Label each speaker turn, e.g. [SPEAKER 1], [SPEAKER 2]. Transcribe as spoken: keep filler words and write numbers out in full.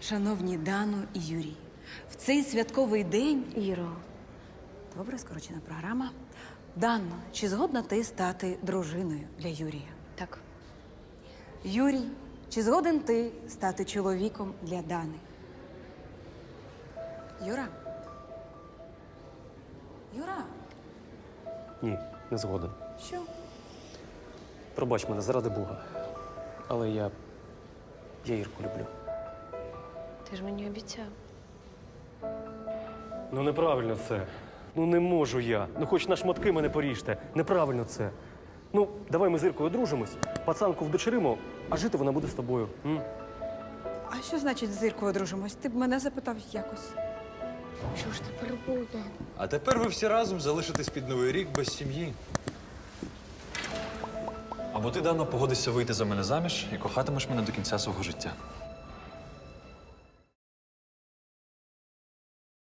[SPEAKER 1] Шановні Дану і Юрій, в цей святковий день…
[SPEAKER 2] Іро,
[SPEAKER 1] Добре, скорочена програма. Дано, чи згодна ти стати дружиною для Юрія?
[SPEAKER 2] так.
[SPEAKER 1] Юрій, чи згоден ти стати чоловіком для Дани? Юра? Юра?
[SPEAKER 3] Ні, не згоден.
[SPEAKER 1] Що?
[SPEAKER 3] Пробач мене, заради Бога. Але я. я Ірку люблю.
[SPEAKER 2] Ти ж мені обіцяв.
[SPEAKER 3] Ну неправильно це. Ну не можу я. Ну хоч на шматки мене поріжте. Неправильно це. Ну, давай ми з Іркою одружимось, пацанку вдочеримо, а жити вона буде з тобою. М?
[SPEAKER 1] А що значить з Іркою одружимось? Ти б мене запитав якось.
[SPEAKER 2] Що ж тепер буде?
[SPEAKER 4] А тепер ви всі разом залишитесь під Новий рік без сім'ї. Або ти, Дано, погодишся вийти за мене заміж і кохатимеш мене до кінця свого життя.